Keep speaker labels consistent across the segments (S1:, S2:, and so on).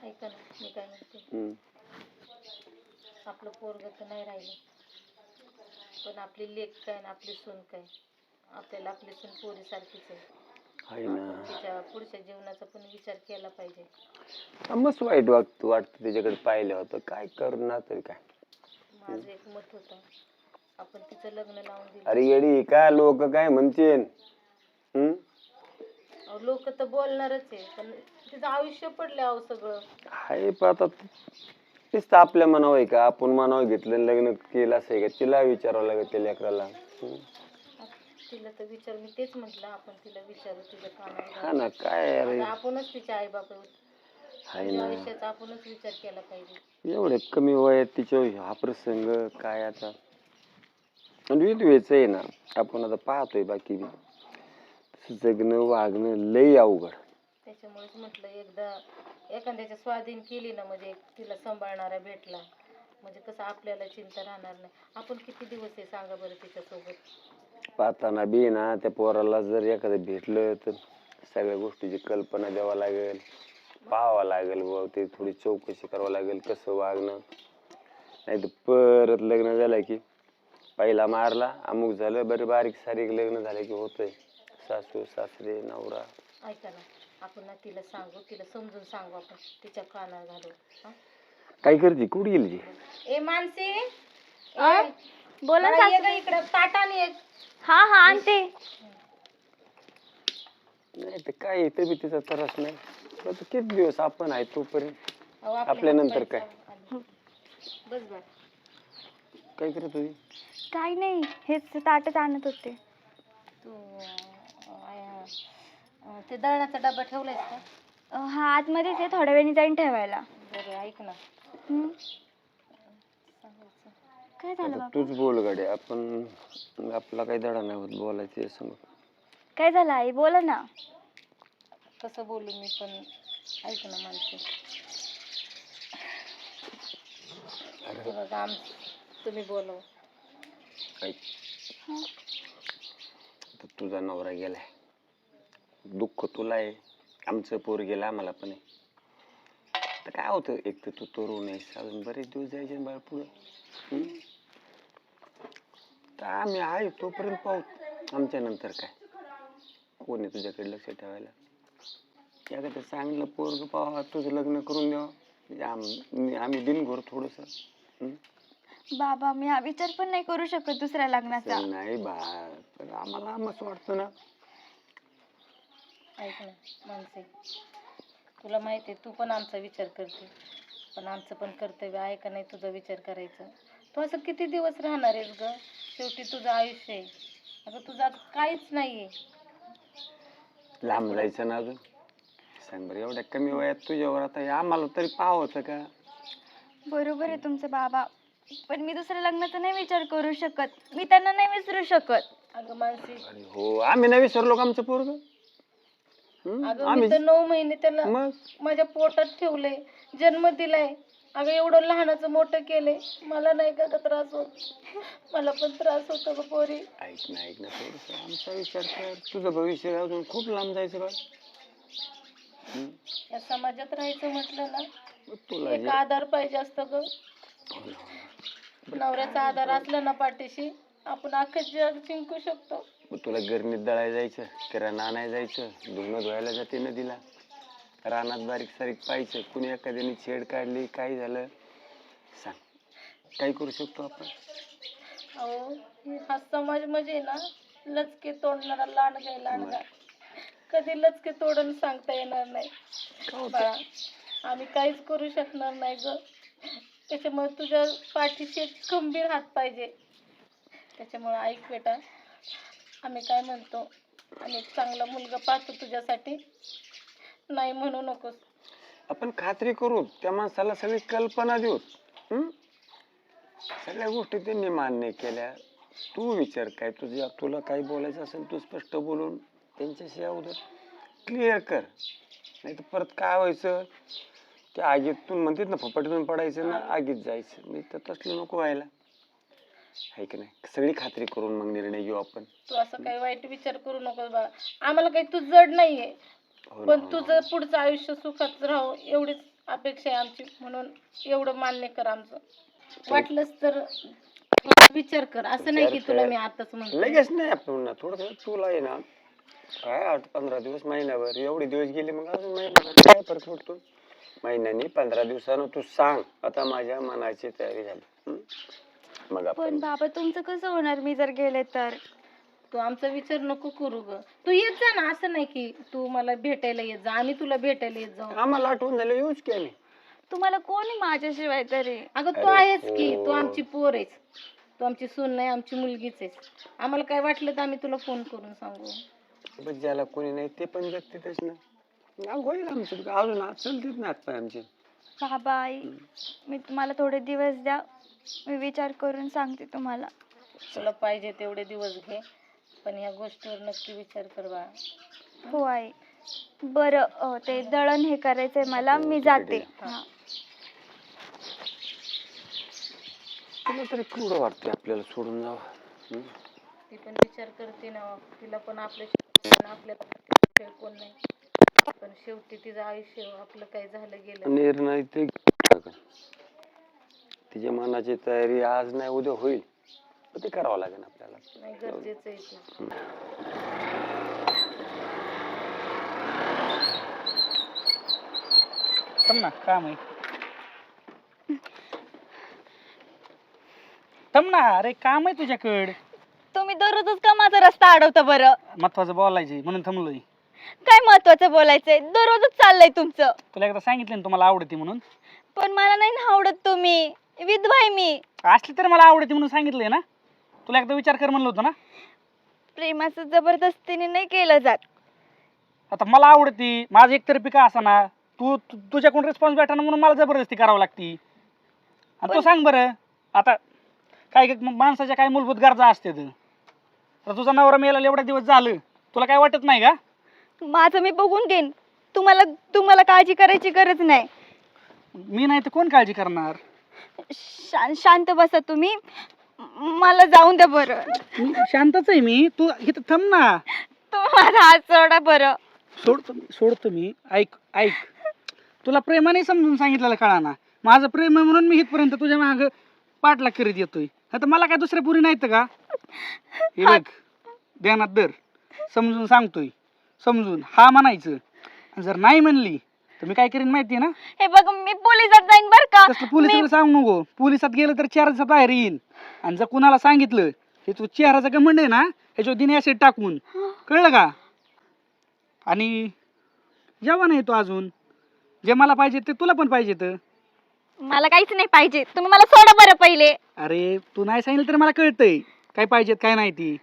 S1: ऐका ना, मी काय म्हणते, आपलं पोरग तर नाही राहिलं, पण आपली लेक काय ना आपली सून काय, आपल्याला आपली सून पोरीसारखीच आहे ना. तिच्या पुढच्या जीवनाचा पण विचार केला पाहिजे.
S2: मस्त वाईट वाटतं त्याच्याकडे पाहिलं होतं, काय करणार तरी काय.
S1: माझं एक मत होतं, आपण तिचं लग्न लावून दिलं.
S2: अरे येडी का, लोक काय म्हणतील?
S1: लोक तर बोलणारच आहे, पण तिचं आयुष्य पडलं अहो सगळं.
S2: हाय पण आता तेच आपल्या मनावर आहे का, आपण मनावर घेतलं लग्न केलं असं आहे का, तिला विचारावं लागेल त्या लेकराला.
S1: तिला तर विचार, मी तेच म्हटलं आपण तिला विचारू, तिच्या कानावर.
S2: हा ना, काय अरे
S1: आपणच तिच्या आई बाप आयुष्याचा आपणच विचार केला पाहिजे.
S2: एवढे कमी वयात तिच्या हा प्रसंग काय आता, व्हायचं आहे ना. आपण आता पाहतोय बाकी जगणं वागणं लय अवघड.
S1: त्याच्यामुळेच म्हटलं एकदा एखाद्याच्या स्वाधीन केली ना, म्हणजे तिला सांभाळणारा भेटला म्हणजे कसं आपल्याला चिंता राहणार नाही. आपण किती दिवस आहे सांगा बरं तिच्यासोबत.
S2: पाहताना बी ना त्या पोराला जर एखादं भेटलं तर सगळ्या गोष्टीची कल्पना द्यावा लागेल, पाहावं लागेल, व ते थोडी चौकशी करावं लागेल कसं वागणं. नाही तर परत लग्न झालं की पहिला मारला अमुक झालं, बरं बारीक सारीक लग्न झालं की होतंय. सासू सासरे नवरा.
S1: ऐका ना, आपण ना तिला सांगू, तिला समजून सांगू, आपण तिच्या कानावर घालू.
S2: काय करते, कुठे गेली?
S1: ए मानसी,
S3: बोला ना
S1: इकडे ताटाने एक.
S3: हा हा आणते.
S2: नाही तर काय तब्येतीचा त्रास नाही, किती दिवस आपण आहे तोपर्यंत, आपल्या नंतर काय.
S1: बस बस.
S2: काय करत होती?
S3: काय नाही, हेच ताटच आणत होते.
S1: तू ते दळणाचा डबा ठेवलायस का?
S3: हा आतमध्येच आहे, थोड्या वेळाने जाईन ठेवायला.
S1: बरं ऐक ना,
S3: काय झालं बाबा?
S2: तूच बोल गाडी, आपण आपला काही धडा नाही होत बोलायचे समोर.
S3: काय झालं आई, बोला ना.
S1: कसं बोलू मी पण, ऐक ना माणसे. तुम्ही बोलव.
S2: तुझा नवरा गेलाय, दुःख तुला आहे, आमचं पोर गेलं आम्हाला पण आहे. तर काय होतं, एक तर तू तरुण आहेस, अजून बरेच दिवस जायचे बाळ पुढं. तर आम्ही आहे तोपर्यंत पाहू, आमच्या नंतर काय. कोण आहे तुझ्याकडे लक्ष ठेवायला? एखादं चांगलं पोरग पाहा, तुझं लग्न करून द्यावं, आम्ही बिनघोर थोडस.
S3: बाबा मी हा विचार पण नाही करू शकत दुसऱ्या लग्नाचा.
S2: नाही बा, आम्हाला मस्त वाटतं ना.
S1: ऐक ना मानसी, तुला माहिती आहे तू पण आमचा विचार करते, पण आमचं पण कर्तव्य आहे का नाही तुझा विचार करायचा. तू असं किती दिवस राहणार आहेस ग? शेवटी तुझं आयुष्य आहे. आता तुझं काहीच नाहीये.
S2: लांब जायचं ना अजून, सांग बरं, एवढ्या कमी वयात तुझ्यावर आता आम्हाला तरी पाहावं का? बरोबर
S3: आहे तुमचं बाबा, पण मी दुसऱ्या लग्नाचा नाही विचार करू शकत, मी त्यांना नाही विसरू शकत.
S1: अगं मानसी,
S2: हो आम्ही नाही विसरलो का आमचं पोरग?
S1: अगं मी तर 9 महिने त्याला माझ्या पोटात ठेवलंय, जन्म दिलाय. अगं एवढं लहानाचं मोठं केलंय, मला नाही का त्रास होत? मला पण त्रास होतो ग पोरी.
S2: ऐक ना थोडस आमचा विचार कर, तुझं भविष्य अजून खूप लांब जायचं बा.
S1: या समाजात राहायचं म्हटलं ना,
S2: तुला
S1: एक आधार पाहिजे असतं ग. नवऱ्याचा आधार असला ना पाठीशी, आपण अख्खं जग जिंकू शकतो.
S2: तुला गिरणीत दळायला जायचं, किराणा आणायला जायचं, धुणं धुवायला जाते नदीला, रानात बारीक सारीक पाहायचं, कुणी एखाद्याने छेड काढली, काय झालं सांग, काय करू शकतो आपण?
S1: अहो हा समाज म्हणजे ना लचके तोडणारा लांडगा, कधी लचके तोडून सांगता येणार नाही बाळा. आम्ही काहीच करू शकणार नाही ग. त्याच्यामुळे तुझ्या पाठीशी एक खंबीर हात पाहिजे. त्याच्यामुळे ऐक बेटा, आम्ही काय म्हणतो, आम्ही एक चांगला मुलगा पाहतो तुझ्यासाठी, नाही म्हणू नकोस.
S2: आपण खात्री करू, त्या माणसाला सगळी कल्पना देऊ, सगळ्या गोष्टी त्यांनी मान्य केल्या. तू विचार काय, तुला काय बोलायचं असेल तू स्पष्ट बोलून त्यांच्याशी अगोदर क्लिअर कर. नाही तर परत काय व्हायचं, त्या आगीतून म्हणतात ना, फपाटीतून पडायचं ना आगीत जायचं. मी तर तसलं नको व्हायला, आहे की नाही. सगळी खात्री करून मग निर्णय घेऊ आपण.
S1: तू असं काही वाईट विचार करू नकोस बाळा, आम्हाला काही तू जड नाहीये, पण तुझं पुढचं आयुष्य सुखात राहावं एवढीच अपेक्षा आहे आमची, म्हणून एवढं मान्य कर आमचं. वाटलंच तर विचार कर, असं नाही की
S2: विचार
S1: तुला
S2: कर.
S1: मी आताच म्हणते.
S2: लगेच नाही आपण थोडं तुला आहे ना काय 8-15 दिवस, महिनाभर, एवढे दिवस गेले मग अजून महिनाभर काय फरक पडतो. महिन्यानी 15 दिवसानं तू सांग आता माझ्या मनाची तयारी झाली. मग
S3: पण
S2: आपण
S3: बाबा तुमचं कसं होणार मी जर गेले तर?
S1: तू आमचा विचार नको करू ग, तू येत जा ना. असं नाही की तू मला भेटायला येत जा, आम्ही तुला भेटायला येत जाऊ.
S2: आम्हाला आठवण झालं येऊच की आम्ही.
S3: तुम्हाला कोणी माझ्याशिवाय तरी?
S1: अगं तू
S2: अरे
S1: आहेस की,
S2: हो.
S1: तू आमची पोर आहेस, तू आमची सून नाही, आमची मुलगीच आहेस. आम्हाला काय वाटलं तर आम्ही तुला फोन करून सांगू.
S2: पण ज्याला कोणी नाही ते पण जगतेच ना. मग होईल आमचं अजून आज चलतेच ना हातपाय आमचे.
S3: बाबा आई, मी तुम्हाला थोडे दिवस द्या, मी विचार करून सांगते तुम्हाला.
S1: तुला पाहिजे तेवढे दिवस घे, पण ह्या गोष्टीवर नक्की विचार कर बाळा.
S3: हो आई. बरं ते दळण हे करायचंय मला, मी जाते. हा.
S2: तुला तरी केवढं वाटतंय आपल्याला सोडून जावं.
S1: ती पण विचार करते ना, तिला पण आपल्या कोण नाही, पण शेवटी तिचं आयुष्य आपलं काय झालं गेलं.
S2: निर्णय ते तिच्या मनाची तयारी आज नाही उद्या होईल, पण ते करावं लागेल आपल्याला.
S1: नाही गरजेचं आहे ते.
S4: थांब ना, काम आहे. थांब ना, अरे काम आहे तुझ्याकडे.
S3: तुम्ही दररोजच का माझा रस्ता अडवता बरं?
S4: महत्वाचं बोलायचंय म्हणून थांबलोय.
S3: काय महत्वाचं बोलायचंय? दररोजच चाललंय तुमचं.
S4: तुला एकदा सांगितलं ना तुम्हाला आवडते म्हणून.
S3: पण मला नाही ना आवडत तुम्ही. विधवा आहे मी.
S4: असली तर मला आवडते म्हणून सांगितलंय ना. तुला एकदा विचार कर म्हणलं होतं ना.
S3: प्रेमाचं जबरदस्तीने नाही केलं जात.
S4: आता मला आवडती, माझं एकतर्फी का असाना, तुझ्याकडून रिस्पॉन्स भेटा म्हणून मला जबरदस्ती करावं लागती. आणि तू सांग बरं, आता काय माणसाच्या काय मूलभूत गरजा असतात. तर तुझा नवरा मेला एवढा दिवस झालं, तुला काय वाटत नाही का?
S3: माझं मी बघून घेईन. तुम्हाला काळजी करायची गरज नाही.
S4: मी नाही तर कोण काळजी करणार?
S3: शांत बसा तुम्ही. मला जाऊन द्या बरं.
S4: मी शांतच आहे मी. तू इथं थांब ना.
S3: तुम्ही माझा हात सोडा बरं.
S4: सोडतो मी. ऐक तुला प्रेमाने समजून सांगितलेलं कळा ना. माझं प्रेम आहे म्हणून मी इथपर्यंत तुझ्या माग पाठलाग करीत येतोय. आता मला काय दुसऱ्या पुरी नाहीत का? हे बघ, ध्यानात धर. समजून सांगतोय, समजून हा म्हणायचं. जर नाही म्हणली तर मी काय करीन माहिती ना?
S3: हे बघ, मी पोलिसात जाईन बर का.
S4: तसलं पोलिसाला सांगू नको. पोलिसात गेलं तर चेहऱ्याचा बाहेर येईन. आणि जर कुणाला सांगितलं हे तू चेहऱ्याचा घमंड आहे ना, ह्याच्यावर दिने ऍसिड टाकून, कळलं का? आणि जेव्हा नाही तो अजून जे मला पाहिजे ते तुला पण पाहिजे. तर
S3: मला काहीच नाही पाहिजे. तुम्ही मला सोडा बरं पहिले.
S4: अरे तू नाही सांगितलं तर मला कळतंय काय पाहिजेत काय नाही ती.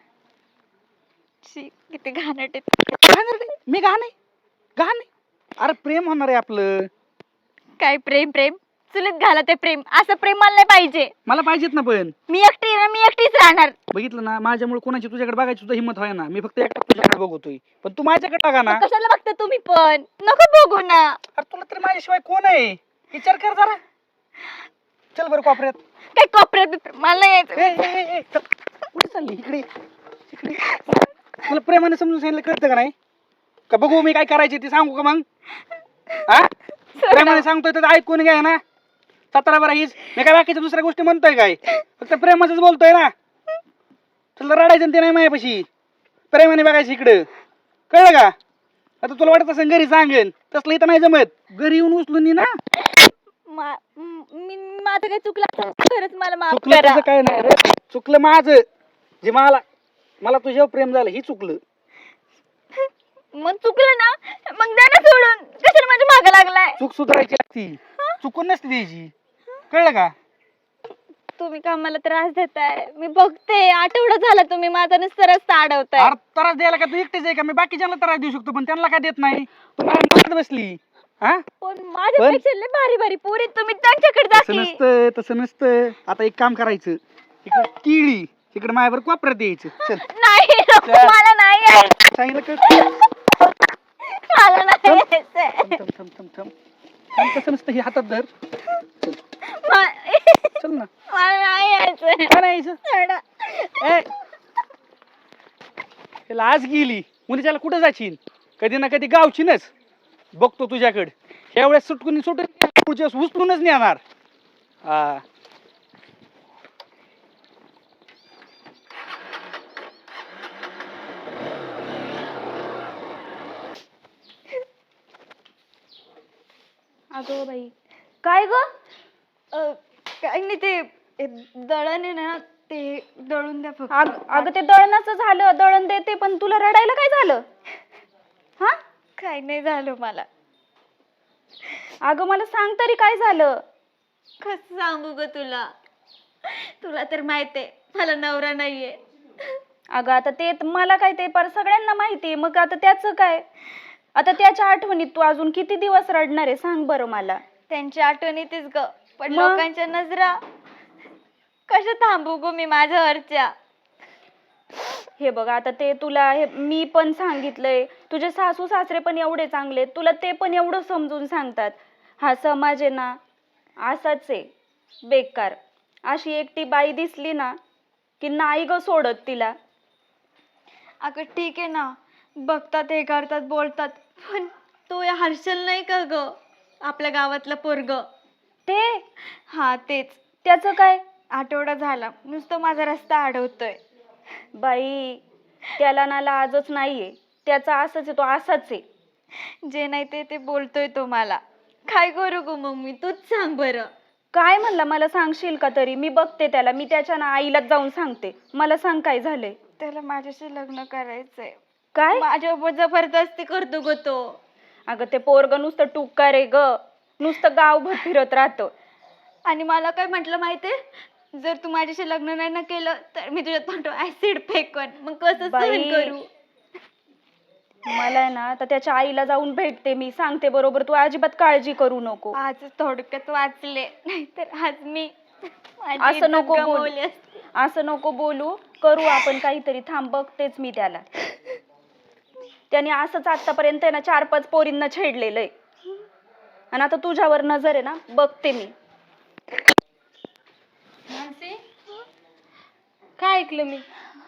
S3: किती घाणट आहे.
S4: मी घाण आहे. अरे प्रेम होणार आहे आपलं.
S3: काय प्रेम? चुलीत घाला ते प्रेम. असं प्रेम मला नाही पाहिजे.
S4: मला पाहिजेत ना. पण
S3: मी एकटी ना, मी एकटीच राहणार.
S4: बघितलं ना, माझ्यामुळे कोणाची तुझ्याकडे बघायची सुद्धा हिंमत व्हाय ना. मी फक्त एकटा तुझ्याकडे बघतोय, पण तू माझ्याकडे बघा ना.
S3: कशाला बघता तुम्ही पण? नको बघू ना.
S4: अरे तुला तरी माझ्याशिवाय कोण आहे? विचार कर जरा. चल बरं कोपऱ्यात.
S3: काय कोपऱ्यात? मला नाही यायचं.
S4: कुठे चालली? इकडे. तुला प्रेमाने समजून सांगितलं कळतं का नाही? का बघू मी काय करायचे ते सांगू का मग? हा, प्रेमाने सांगतोय तर ऐकून घ्या ना. 17 बरा हीच. मी काय बाकीच्या दुसऱ्या गोष्टी म्हणतोय काय? फक्त प्रेमाच बोलतोय ना. तुला रडायचं ते नाही माझ्यापाशी. प्रेमाने बघायचं इकडं, कळलं का? आता तुला वाटत असं घरी सांगेन, तसलं इथं नाही जमत. घरी येऊन उचलून ये ना.
S3: माझं काय चुकलं? खरंच मला माफ
S4: चुकलं
S3: करा.
S4: तुझं काय नाही रे. चुकलं माझं. जे मला तुझ्यावर प्रेम झालं ही चुकलं.
S3: मग चुकलं ना, मग द्या ना सोडून. कशाला माझ्या मागं लागलाय?
S4: चूक सुधारायची असती, चुकून नसती द्यायची. कळलं का?
S3: तुम्ही का मला त्रास देताय? मी बघते. आठवडा झाला तुम्ही माझा नुसता रस्ता अडवताय.
S4: अरे त्रास द्यायला का तू एकटीच आहे का? मी बाकीच्यांना त्रास देऊ शकतो, पण त्यांना काय देत नाही. तू माझ्या बसली. हा,
S3: पण माझ्यापेक्षा लय भारी भारी पोरी, तुम्ही त्यांच्याकडे जा
S4: तसं
S3: की.
S4: नसतं, तसं नसतं. आता एक काम करायचं, इकडे केळी, तिकडे माझ्यावर कोपऱ्यात यायचं. चल
S3: नाही नको,
S4: चल.
S3: मला नाही यायचं.
S4: सांगितलं का?
S3: मला नाही यायचं.
S4: थांब. तसं नसतं. हे हातात धर. चल चल ना.
S3: मला नाही यायचं.
S4: काय नाही यायचं?
S3: सोडा.
S4: ए, त्याला आज गेली मुलीच्याला कुठं जाशील? कधी ना कधी गावचीनच बघतो तुझ्याकडे. ह्या वेळेस सुटून पुढच्या वेळेस उचलूनच नेणार. हा
S3: अगं बाई काय ग? काय नाही ते दळण आहे ना ते दळून द्या फक्त. अगं ते दळणाचं झालं, दळण देते, पण तुला रडायला काय झालं? हा काय नाही झालं मला. अगं मला सांग तरी काय झालं? कसं सांगू ग तुला? तुला तर माहिती आहे मला नवरा नाहीये. अगं आता ते मला काय ते पर सगळ्यांना माहिती आहे, मग आता त्याचं काय? आता त्याच्या आठवणीत तू अजून किती दिवस रडणार आहे सांग बरं मला. त्यांच्या आठवणीतच ग, पण लोकांच्या नजरा कशा थांबू ग मी माझ्यावरच्या. हे बघ आता ते तुला हे मी पण सांगितलंय, तुझे सासू सासरे पण एवढे चांगले, तुला ते पण एवढं समजून सांगतात. हा समाज आहे ना असाच आहे बेकार. अशी एकटी बाई दिसली ना की नाही ग सोडत तिला. अगं ठीक आहे ना, बघतात हे करतात बोलतात, पण तो या हर्षल नाही का ग आपल्या गावातलं पोरग ते? हा तेच. त्याचं काय? आठवडा झाला नुसतं माझा रस्ता अडवतोय. बाई त्याला ना लाजच नाहीये, त्याचा असंच आहे, तो असाच आहे. जे नाही ते बोलतोय तो मला. काय करू ग मग मी, तूच सांग बरं. काय म्हणला मला सांगशील का तरी? मी बघते त्याला, मी त्याच्या ना आईलाच जाऊन सांगते. मला सांग काय झालंय. त्याला माझ्याशी लग्न करायचंय. काय? माझ्यावर जबरदस्ती करतो ग तो. अगं ते पोरग नुसतं टुक्का रे ग, नुसतं गावभर फिरत राहतं. आणि मला काय म्हटलं माहितीये, जर तू माझ्याशी लग्न नाही ना केलं तर मी तुझ्या तोंडावर ऍसिड फेकन. मग कसं सहन करू? मला ना आता त्याच्या आईला जाऊन भेटते, मी सांगते बरोबर. तू अजिबात काळजी करू नको. आज थोडक्यात वाचले, नाहीतर आज मी असं नको बोलू, असं नको बोलू. करू आपण काहीतरी, थांब बघतेच मी त्याला. त्याने असंच आतापर्यंत आहे ना 4-5 पोरींना छेडलेलं आहे, आणि आता तुझ्यावर नजर आहे ना, बघते मी.
S1: काय ऐकलं मी?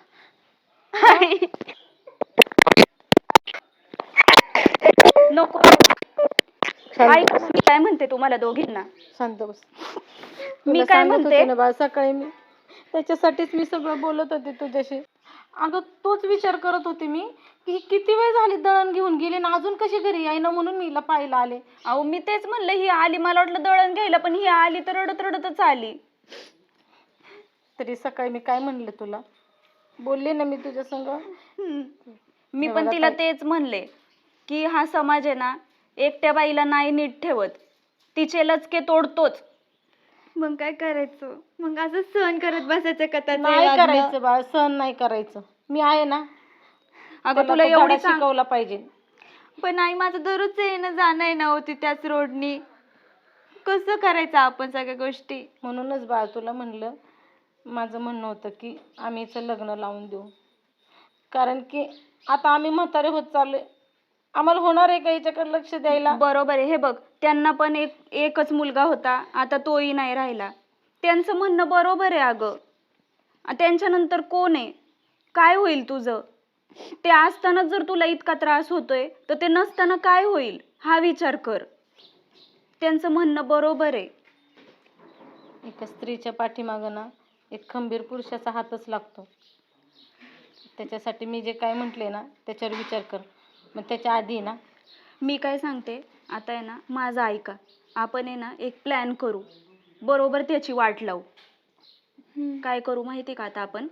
S3: नको ऐक, मी काय म्हणते तुम्हाला दोघींना.
S1: शांत बस.
S3: मी काय म्हणते
S1: ना बा, सकाळी मी त्याच्यासाठीच मी सगळं बोलत होते तुझ्याशी. अगं तोच विचार करत होते मी की किती वेळ झाली दळण घेऊन गेली ना अजून कशी घरी आहे ना, म्हणून मी हिला पाहायला आले.
S3: अहो मी तेच म्हणलं, ही आली, मला वाटलं दळण घ्यायला, पण ही आली तर रडत रडतच आली.
S1: तरी सकाळी मी काय म्हणले तुला, बोलले ना मी तुझ्या संग.
S3: मी पण तिला तेच म्हणले की हा समाज आहे ना एकट्या बाईला नाही नीट ठेवत, तिचे लचके तोडतोच. मग काय करायचं? मग असं सहन करत बसायचं का?
S1: नाही करायचं बा, सहन नाही करायचं. मी आहे ना.
S3: अगं तुला एवढी
S1: शिकवला पाहिजे.
S3: पण आई माझं दररोज येणं जाणं आहे ना होती त्याच रोडनी, कसं करायचं आपण सगळ्या गोष्टी?
S1: म्हणूनच बा तुला म्हणलं, माझं म्हणणं होतं की आम्ही हिचं लग्न लावून देऊ. कारण की आता आम्ही म्हातारे होत चाललोय, आम्हाला होणार आहे का हिच्याकडे लक्ष द्यायला?
S3: बरोबर आहे. हे बघ, त्यांना पण एकच मुलगा होता, आता तोही नाही राहिला. त्यांचं म्हणणं बरोबर आहे. अगं त्यांच्यानंतर कोण आहे? काय होईल तुझं? ते असताना जर तुला इतका त्रास होतोय तर ते नसताना काय होईल हा विचार कर. त्यांचं म्हणणं बरोबर आहे.
S1: एका स्त्रीच्या पाठीमागं ना एक खंबीर पुरुषाचा हातच लागतो. त्याच्यासाठी मी जे काय म्हटले ना त्याच्यावर विचार कर. मग त्याच्या आधी ना
S3: मी काय सांगते, आता आहे ना माझं ऐका, आपण आहे ना एक प्लॅन करू, बरोबर त्याची वाट लावू. काय करू माहिती का? आता आपण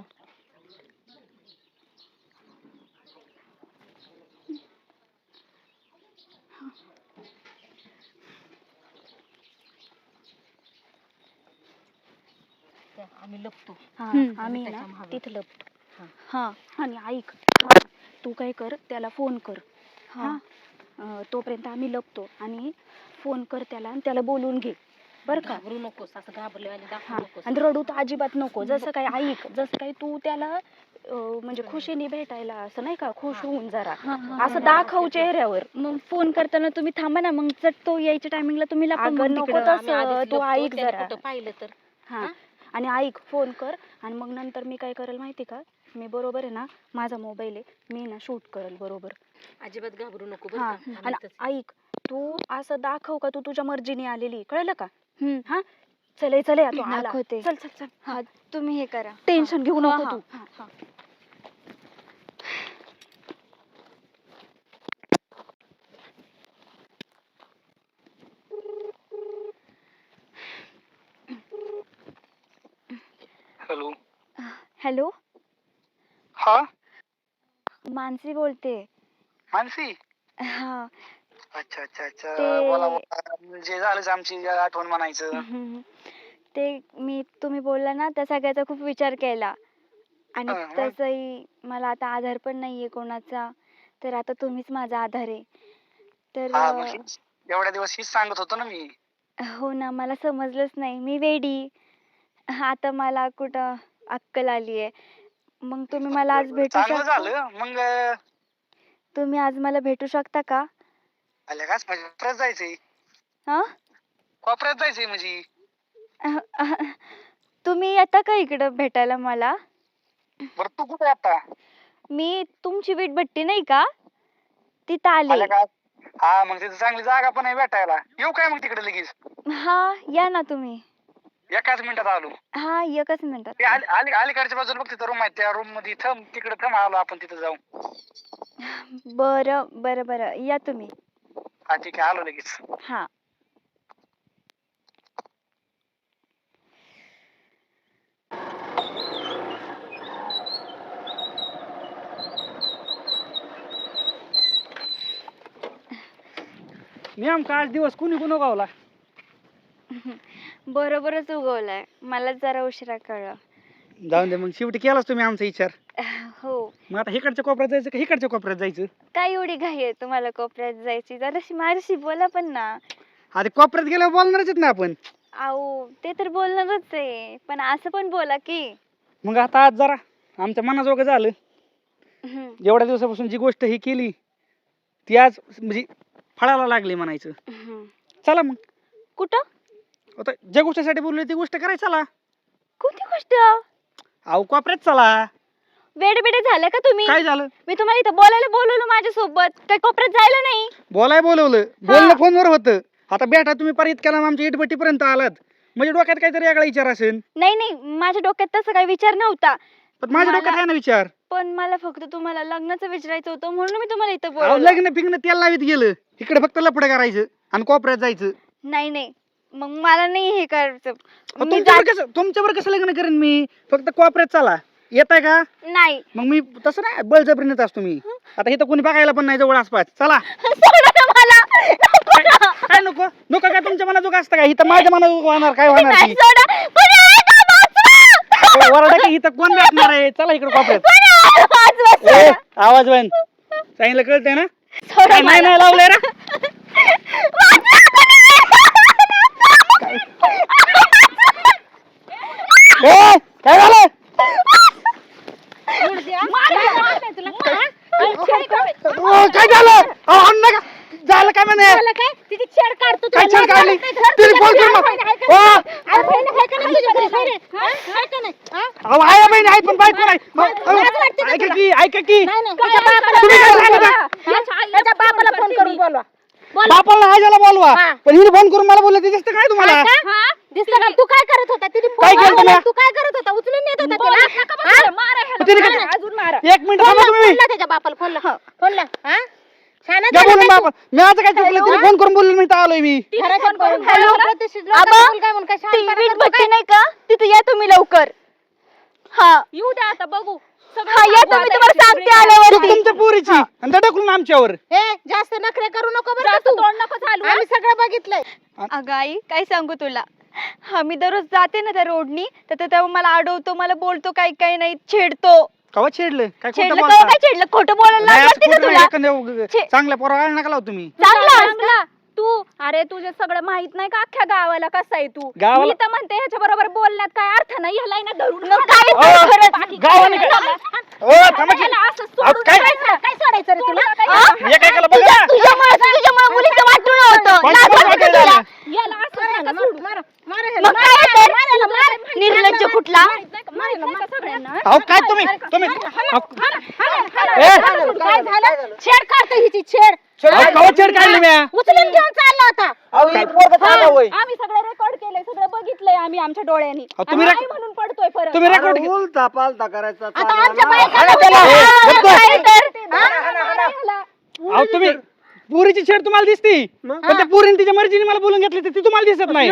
S1: आम्ही लपतो.
S3: आम्ही ना तिथं लपतो. हा आणि ऐक, तू काय कर, त्याला फोन कर. हा तोपर्यंत आम्ही लपतो, आणि फोन कर त्याला आणि त्याला बोलून घे बरं का?
S1: घाबरू नकोस, असं घाबरलेवानी दाखवू नकोस.
S3: आणि रडू तर अजिबात नको. जसं काय ऐक, जसं काय तू त्याला म्हणजे खुशीने भेटायला असं नाही का, खुश होऊन जरा असं दाखव चेहऱ्यावर. मग फोन करताना तुम्ही थांबा ना, मग चट तो यायच्या टायमिंगला तुम्ही नको तसं. तू ऐक जरा.
S1: पाहिलं तर
S3: हा आणि ऐक, फोन कर, आणि मग नंतर मी काय करेल माहिती का, मी बरोबर आहे ना, माझा मोबाईल आहे, मी ना शूट करेल बरोबर.
S1: अजिबात घाबरू नको
S3: हा आणि ऐक, तू असं दाखव का तू तुझ्या मर्जीने आलेली, कळलं का? हा चले चले तू आला.
S5: दाखवते.
S3: चल चल चल.
S5: हा तुम्ही हे करा.
S3: टेन्शन घेऊ
S5: हा,
S3: नको
S5: हा,
S3: तू.
S5: हा.
S4: हॅलो.
S3: हॅलो,
S4: हा
S3: मानसी बोलते.
S4: मानसी.
S3: हा
S4: अच्छा अच्छा अच्छा.
S3: ते-
S4: बोला बोला. म्हणजे झालंच आमची आठवण म्हणायचं.
S3: ते तुम्ही बोलला ना त्या सगळ्याचा खूप विचार केला आणि
S4: हा, मग?
S3: तसंही मला आता आधार पण नाहीये कोणाचा, तर आता तुम्हीच माझा आधार आहे. तर
S4: हा मग एवढ्या दिवस हीच सांगत होतो ना मी.
S3: हो ना, मला समजलंच नाही, मी वेडी. आता मला कुठं अक्कल आलीये. मग तुम्ही मला आज भेटू
S4: चांगलं
S3: शकता?
S4: झालं मग.
S3: तुम्ही आज मला भेटू शकता का?
S4: आल्या काच म्हणजे कोपऱ्यात जायचंय.
S3: हा
S4: कोपऱ्यात जायचंय म्हणजे.
S3: तुम्ही येता का इकडं भेटायला मला?
S4: बरं तू कुठे आता?
S3: मी तुमची वीटभट्टी नाही का, तिथं आले.
S4: आल्या का? हा मग तिथं चांगली जागा पण आहे भेटायला. येऊ काय मग तिकडे लगेच?
S3: हा या ना तुम्ही.
S4: एकाच मिनिटात आलो.
S3: हा एकच मिनिटात.
S4: ते अलीकडच्या बाजूला बघ तिथं रूम आहे, त्या रूम मध्ये तिकडे थांब, आलो आपण तिथं जाऊ.
S3: बरं बरं बरं, या तुम्ही.
S4: हा ठीक आहे, आलो लगेच.
S3: हा
S4: नेमका आज दिवस कुणी कुणी गावला?
S3: बरोबरच उगवलाय, मला जरा उशिरा कळलं.
S4: जाऊन दे मग, शेवटी केलाच तुम्ही आमचा विचार.
S3: हो,
S4: मग आता इकडच्या कोपऱ्यात जायचं का इकडच्या कोपऱ्यात जायचं?
S3: काय एवढी घाई आहे तुम्हाला कोपऱ्यात जायची? जराशी माझ्याशी बोला पण ना.
S4: आता कोपऱ्यात गेल्यावर बोलणारच आहेत ना आपण.
S3: आओ ते तर बोलणारच आहे, पण असं पण बोला की.
S4: मग आता आज जरा आमच्या मनाजोगं झालं.
S3: हम्म,
S4: एवढ्या दिवसापासून जी गोष्ट ही केली ती आज म्हणजे फळाला लागली म्हणायचं.
S3: हम्म.
S4: चला मग,
S3: कुठं?
S4: आता ज्या गोष्टीसाठी बोललो ती गोष्ट करायची. चला.
S3: कोणती गोष्ट?
S4: अहो कोपऱ्यात चला.
S3: वेडे झाले का तुम्ही?
S4: काय झालं?
S3: मी तुम्हाला इथं बोलायला बोलवलं माझ्यासोबत, काय कोपऱ्यात जायला नाही?
S4: बोलाय बोलवलं, बोलणं फोनवर होतं. आता बेटा तुम्ही परत केला आमच्या इटभट्टी पर्यंत आलात, म्हणजे डोक्यात काहीतरी वेगळा विचार असेल.
S3: नाही, माझ्या डोक्यात तसं काही विचार नव्हता.
S4: पण माझ्या
S3: मला-
S4: डोक्यात आहे ना विचार.
S3: पण मला फक्त तुम्हाला लग्नाचं विचारायचं होतं, म्हणून मी तुम्हाला इथं
S4: अहो
S3: बोलवलं.
S4: लग्न फिग्न तेल लावीत गेलं, इकडे फक्त लफडं करायचं आणि कोपऱ्यात जायचं.
S3: नाही, मग मला नाही हे करायचं. मी
S4: तुमच्यावर कसं लग्न करेन मी? फक्त कोपऱ्यात चला. येत आहे का?
S3: नाही.
S4: मग मी तसं नाही बळजबरीनेच असतो मी. आता इथं कोणी बघायला पण नाही जवळ आसपास. चला.
S3: सोडा ना मला.
S4: काय नको नको काय तुमच्या मनाजोग असतं का? इथं माझ्या मनाजोग होणार काय होणार
S3: नाही,
S4: ती?
S3: सोडा. कोणी आहे का? वाचवा.
S4: वरडा की इथं कोण भेटणार आहे? चला इकडे कोपऱ्यात.
S3: कोणी आहे? वाचवा,
S4: ए,
S3: सोडा.
S4: आवाज बंद. सांगितलं कळतंय ना?
S3: सोडा
S4: काय नाही
S3: मला.
S4: नाही लावलंय ना? ए, काय झालं? काय झालं? अहो, आणू नका. झालं काय म्हणे?
S1: तिची छेड काढतो
S4: काय छेड काढली? तिने फोन करून अहो आया बहिणी आहेत पण बायको नाही. ऐका की तुम्ही काय सांगता?
S1: बापाला फोन करून बोलवा.
S4: बापाला आजाला बोलवा. पण हिने फोन करून मला बोललं ते दिसतं काय तुम्हाला?
S1: दिसलं का? तू काय करत होता? तिने
S4: काय केलं तुम्ही?
S1: तू काय करत होता? उचलून नेत होता त्याला?
S4: तिने काय-
S1: अजून मारा.
S4: एक मिनिट थांबा तुम्ही.
S1: फोन ला त्याच्या बापाला, फोन ला. हा? शाना
S4: द्या
S1: झाला
S4: बोलून
S1: का तू?
S4: बापा. मी आता काय चुकलं? तिने फोन करून बोललो मी तर आलोय मी.
S1: खरं फोन करून
S3: हॅलो?
S1: बोलवा. प्रतिष्ठित लोकांना मुलगा आहे म्हणून काय
S3: ती
S1: शहाणपणा
S3: वीट
S1: करतो
S3: भट्टी
S1: काय?
S3: नाही का, तिथे या तुम्ही लवकर. हा
S1: येऊ द्या आता, बघू.
S3: हा या तुम्ही, तुम्हाला सांगते
S4: चूक
S3: आल्यावरती.
S4: तुमच्या पोरीची आणि त्या ढकलून आमच्यावर.
S1: हे जास्त नखरे करू नको बरं का तू. आम्ही सगळं बघितलंय.
S3: अगं आई, काय सांगू तुला. हा मी दररोज जाते ना त्या रोडनी, तर तो तेव्हा मला अडवतो, मला बोलतो काही नाही, छेडतो.
S4: कवा छेडलं? काय खोटं
S3: छेडलं
S4: बोलता?
S3: का? काय छेडलं? खोटं बोलायला
S4: नाही,
S3: लागलं
S4: असं
S3: का
S4: खोटं नाही.
S3: तुला?
S4: एखाद्या
S3: छे-
S4: चांगल्या पोराला नका लावू तुम्ही.
S3: चांगला
S1: तू अरे तुझे सगळं माहित नाही का अख्ख्या गावाला कसा आहे तू?
S4: गावाला-
S1: मी तर म्हणते ह्याच्या बरोबर बोलण्यात काय अर्थ नाही. ह्याला ना धरून
S3: मग काय
S4: अहो,
S3: खरंच?
S1: बाकी
S4: गावाने
S1: काय
S4: काय-
S1: नाही.
S4: ओ, थांबा की.
S1: ह्याला असं
S4: अहो,
S1: सोडून
S4: काय?
S1: जायचं. काय सोडायचं रे तुला?
S4: एक ऐकायला बघा ना.
S3: तुझ्यामुळे मुलीचं वाटून होतं.
S4: कोण-
S3: लाज
S4: कोण
S3: वाटते
S4: वाटायला
S3: तुला?
S4: लागलं?
S1: याला असं नका सोडू. मारा
S3: मग काय तर? निर्लज्ज कुठला?
S1: माहित नाही का सगळ्यांना?
S4: अहो काय तुम्ही अहो,
S1: काय झालं? छेड काढतो छेड
S4: कवचेड काढली म्या
S1: उचलून घेऊन चालला होता.
S3: आम्ही सगळं रेकॉर्ड केलंय, सगळं बघितलंय आम्ही आमच्या डोळ्यांनी.
S4: तुम्ही
S3: आणि आई म्हणून पडतोय परत.
S4: तुम्ही रेकॉर्ड
S2: उलटा पालटा करायचा
S1: आता
S2: चालला
S1: आमच्या
S2: ना.
S4: अहो तुम्ही पुरीची छेड तुम्हाला दिसती पण त्या पुरीने तिच्या मर्जीने मला बोलून घेतली ती तुम्हाला दिसत नाही.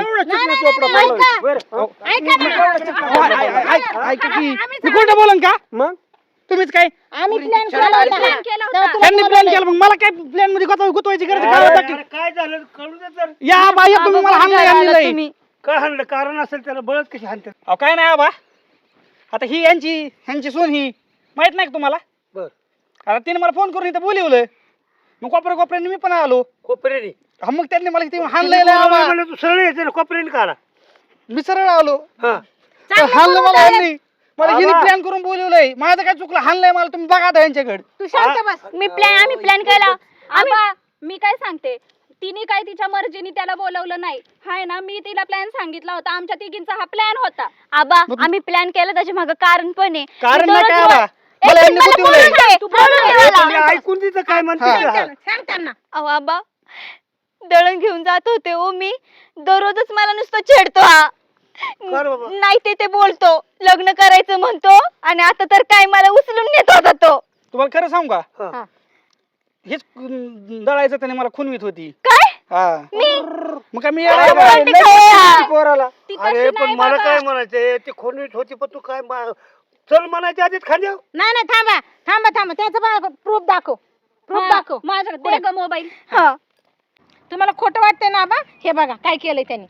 S4: ऐका की मी खोटं बोलन का
S2: मग
S4: तुम्हीच काय
S1: आम्ही प्लॅन केला होता.
S4: त्यांनी प्लॅन केला मग मला काय प्लॅन मध्ये गुतवायची गरज काय होता की?
S5: काय झालं कळू दे तर.
S4: या बाई तुम्ही मला हाणलंय
S5: काय हाणलं कारण असेल त्याला बळच कशी हाणतात.
S4: अहो काय नाही आबा आता ही ह्यांची सून ही माहित नाही का तुम्हाला
S5: बर
S4: आता तिने मला फोन करून इथं बोलवलं मग कोपऱ्याने मी पण आलो
S5: कोपऱ्याने
S4: हा, मग त्यांनी मला इथे हाणलंय लय आबा.
S5: मला तू सरळ यायचं ना कोपऱ्याने काढा.
S4: मी सरळ आलो
S5: हा
S4: हाणलं मला ह्यांनी मला हिने प्लॅन करून बोलवलंय माझं काय चुकलं हाणलंय मला तुम्ही बघा आता यांच्याकडे
S1: तू शांत बस.
S3: आम्ही प्लॅन केला. मी काय सांगते तिने काय तिच्या मर्जीने त्याला बोलवलं नाही हाय ना. मी तिला प्लॅन सांगितला होता. आमच्या तिघींचा हा प्लॅन होता. आबा आम्ही प्लॅन केला त्याच्या मागे कारण पण आहे.
S4: कारण नाही काय आबा मला यांनी गुतवलंय.
S5: तुम्ही ऐकून तिथं काय म्हणते ते हा.
S1: सांग त्यांना.
S3: अहो आबा दळण घेऊन जात होते ओ मी दररोजच मला नुसतं छेडतो हा.
S5: कर बाबा.
S3: नाही ते बोलतो लग्न करायचं म्हणतो आणि आता तर काय मला उचलून नेत होता तो.
S4: तुम्हाला खरं सांगू का
S5: हा.
S4: हेच दळायचं त्याने मला खुनवीत होती
S3: काय
S4: हा
S3: मी
S4: मग काय मी
S3: अरे बोलते काय?
S2: पोराला
S3: ती तशी
S5: अरे पण
S3: नाही
S5: मला
S3: बाबा.
S5: काय म्हणायचंय ते खोनवीत होती पण तू काय चल म्हणायच्या आधीच खांद्या.
S1: नाही नाही थांबा त्याचं प्रूफ दाखव. प्रूफ दाखव.
S3: माझ्याकडे दे ग मोबाईल.
S1: तुम्हाला खोटं वाटतंय ना बा. हे बघा काय केलंय त्यांनी.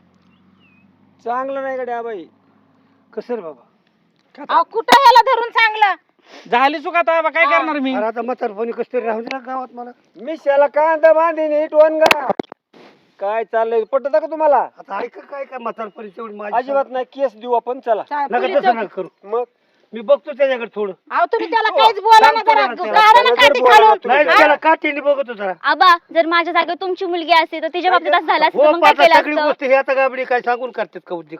S2: चांगलं नाही गड्या बाई.
S5: कसं रे बाबा.
S1: अहो कुठं ह्याला धरून चांगलं.
S4: झाली चुका आता आबा काय करणार मी
S5: अरे आता म्हातारपणी कसं तरी राहून दिला गावात मला.
S2: मिशाला कांदा बांधीन नीट वनगा. काय चाललंय पटत का तुम्हाला?
S5: आता ऐका काय काय म्हातारपणी तेवढी माझी
S2: अजिबात नाही केस देऊ आपण चला.
S5: नका तसं नका करू.
S2: मग
S5: मी बघतो त्याच्याकडे थोडं.
S1: अहो तुम्ही त्याला काहीच बोला ना जरा.
S5: सांगतो ना
S1: काढा ना काठी खालून.
S5: नाही त्याला काठीने बघतो जरा.
S3: आबा जर माझ्या जागेवर तुमची मुलगी असते तर तिच्या बाबतीत असं झालं असतं
S5: हो
S3: मग काय
S5: पाहता
S3: केलं
S5: सगळी
S3: असतं.
S5: गोष्ट हे आता गाबडी काय सांगून करतात का उद्योग.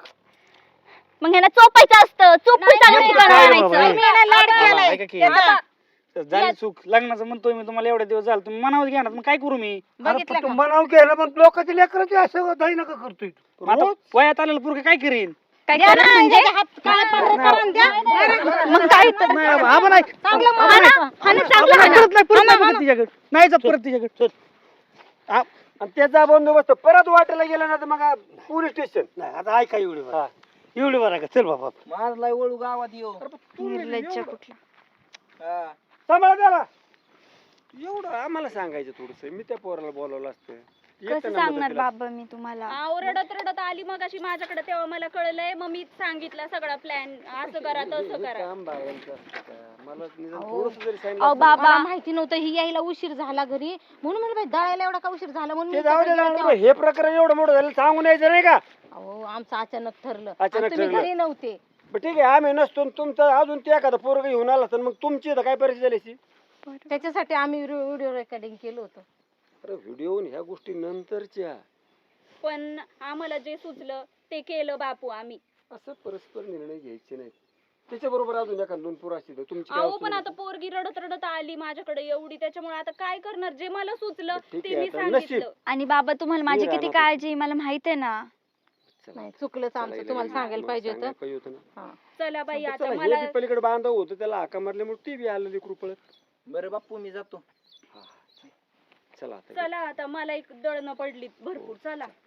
S3: मग ह्यांना चोपायचं असतं चोपून चांगलं
S5: नाही,
S3: ठिकाण
S5: नाही,
S3: आणायचं.
S5: नाही.
S1: मी याला लाड केलाय.
S4: ऐका की
S1: त्याचा.
S4: झाली चूक लग्नाचं म्हणतोय मी तुम्हाला एवढे दिवस झालं तुम्ही मनावर घ्या ना मग काय करू मी
S5: अरे
S1: बघितलं
S5: पण तू
S1: का?
S5: म्हणावं केलं पण लोकांची लेकराची असं दाई नका करतोय तू.
S4: आता वयात आलेलं पोरगं काय करीन
S3: काय
S1: द्या
S3: करत
S1: ना,
S3: म्हणजे
S1: याचे हात काळे पांढरे करून द्या.
S3: मग काय तर
S4: नाही आबा, आबा नाही
S1: चांगलं
S4: आबा
S1: म्हणा.
S4: नाही.
S3: हाणं चांगलं
S4: आबा नाही,
S3: हाणं.
S4: परत नाही परत नाही बघत तिच्याकडे नाही जात परत तिच्याकडे
S2: आणि त्याचा बंदोबस्त परत वाटायला गेला ना तर मग पोलीस स्टेशन.
S5: नाही आता ऐका एवढी बरं एवढी बरं का चल बाबा.
S2: माझला वळू गावात येऊ.
S3: निर्लज्ज कुठला.
S2: सांभाळा त्याला. एवढं आम्हाला सांगायचं थोडस. मी त्या पोराला बोलावलं असतं. येतं
S3: कसं
S2: ना
S3: सांगणार
S2: मदतीला.
S3: बाबा मी तुम्हाला.
S6: आव रडत आली मग अशी माझ्याकडे तेव्हा मला कळलंय मग मी सांगितलं सगळा प्लॅन असं करा तसं
S2: हे
S6: करा.
S2: काम बायांचं असतं का? मला निदान थोडंसं जरी सांगितलं
S3: अहो
S2: असतं.
S3: बाबा
S1: मला माहिती नव्हतं ही यायला उशीर झाला घरी म्हणून म्हणलं बाई दळायला एवढा का उशीर झाला म्हणून
S2: ते
S1: मी
S2: जाऊ दे
S1: तिकडे
S2: जाऊ
S1: गेले
S2: दे.
S1: तेव्हा.
S2: हे प्रकरण एवढं मोठं झालं सांगून यायचं नाही का?
S1: अहो आमचं अचानक ठरलं.
S2: अचानक
S1: आणि तुम्ही
S2: ठरलं.
S1: घरी नव्हते.
S2: बरं ठीक आहे आम्ही नसतो आणि तुमचं अजून ते एखादं पोरग घेऊन आला तर मग तुमची इथं काय परिस्थिती झाली असती?
S1: त्याच्यासाठी आम्ही व्हिडिओ रेकॉर्डिंग केलं होतं.
S2: अरे व्हिडिओ ह्या गोष्टी नंतरच्या.
S6: पण आम्हाला जे सुचलं ते केलं बापू आम्ही.
S2: असं परस्पर निर्णय घ्यायचे नाही. त्याच्या बरोबर अजून एखाद दोन पोरं असतील तर तुमची काय
S6: अहो
S2: अवस्था
S6: पण
S2: झाली?
S6: आता पोरगी रडत आली माझ्याकडे एवढी त्याच्यामुळे आता काय करणार जे मला सुचलं
S2: ठीक
S6: ते
S2: आहे,
S6: मी
S2: आता
S6: सांगितलं.
S2: नशीब.
S3: आणि बाबा तुम्हाला माझी
S2: मी
S3: किती
S2: राहणार
S3: काळजी आहे मला माहित आहे ना.
S2: चला.
S1: नाही चुकलंच आमचं
S2: चला,
S1: तुम्हाला
S2: मग
S1: सांगायला पाहिजे
S2: सांगायला
S1: होतं.
S2: पाहिजे होतं ना.
S1: हा.
S6: चला बाई आता
S2: चला, हे
S6: मला
S2: बी पलीकडे बांधव होतं त्याला हाका मारल्यामुळे ती बी आलं लेकरू पळत.
S4: बरं बाप्पू मी जातो
S2: चला आता
S6: चला आता मला एक दळणं पडली भरपूर चला.